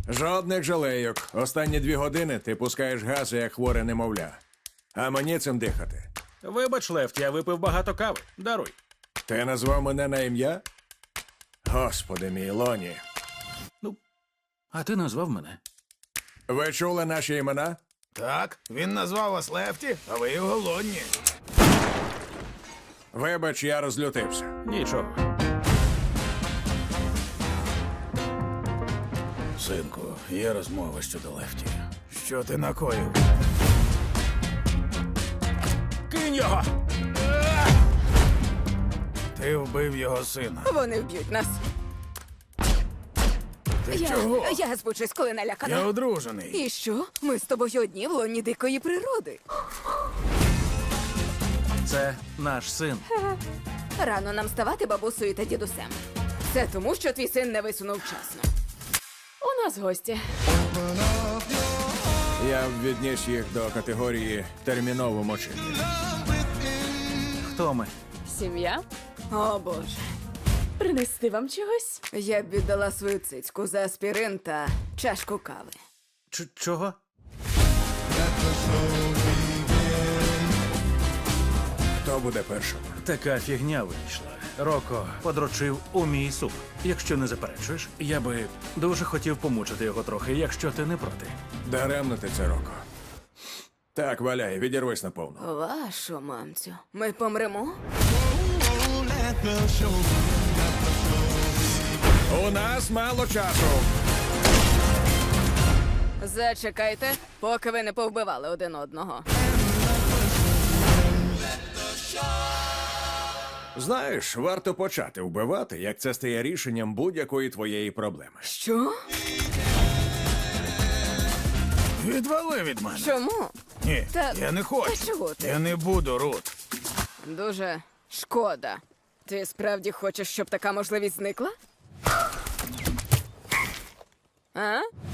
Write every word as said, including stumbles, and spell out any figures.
Жодних жалейок. Останні дві години ти пускаєш гази, як хворе немовля. А мені цим дихати. Вибач, Лефт, я випив багато кави. Даруй. Ти назвав мене на ім'я? Господи мій, Лоні. Ну, а ти назвав мене. Ви чули наші імена? Так, він назвав вас Лефті, а ви його Лонні. Вибач, я розлютився. Нічого. Синку, є розмова щодо Лефті. Що ти накоїв? Кинь його! Ти вбив його сина. Вони вб'ють нас. Ти Я, чого? я звучусь, коли налякана. Я одружений. І що? Ми з тобою одні в лоні дикої природи. Це наш син. Рано нам ставати бабусею та дідусем. Це тому, що твій син не висунув вчасно. У нас гості. Я б відніс їх до категорії терміново мочити. Хто ми? Сім'я? О, Боже. Принести вам чогось? Я б віддала свою цицьку за аспірин та чашку кави. Ч- чого? Хто буде першим? Така фігня вийшла. Роко подрочив у мій суп. Якщо не заперечуєш, я би дуже хотів помучити його трохи, якщо ти не проти. Даремно ти це, Роко. Так, валяй, відірвись наповну. Вашу мамцю. Ми помремо? У нас мало часу. Зачекайте, поки ви не повбивали один одного. Знаєш, варто почати вбивати, як це стає рішенням будь-якої твоєї проблеми. Що? Відвали від мене. Чому? Ні, Та- я не хочу. Та чого ти? Я не буду, Рут. Дуже шкода. Ти справді хочеш, щоб така можливість зникла? А?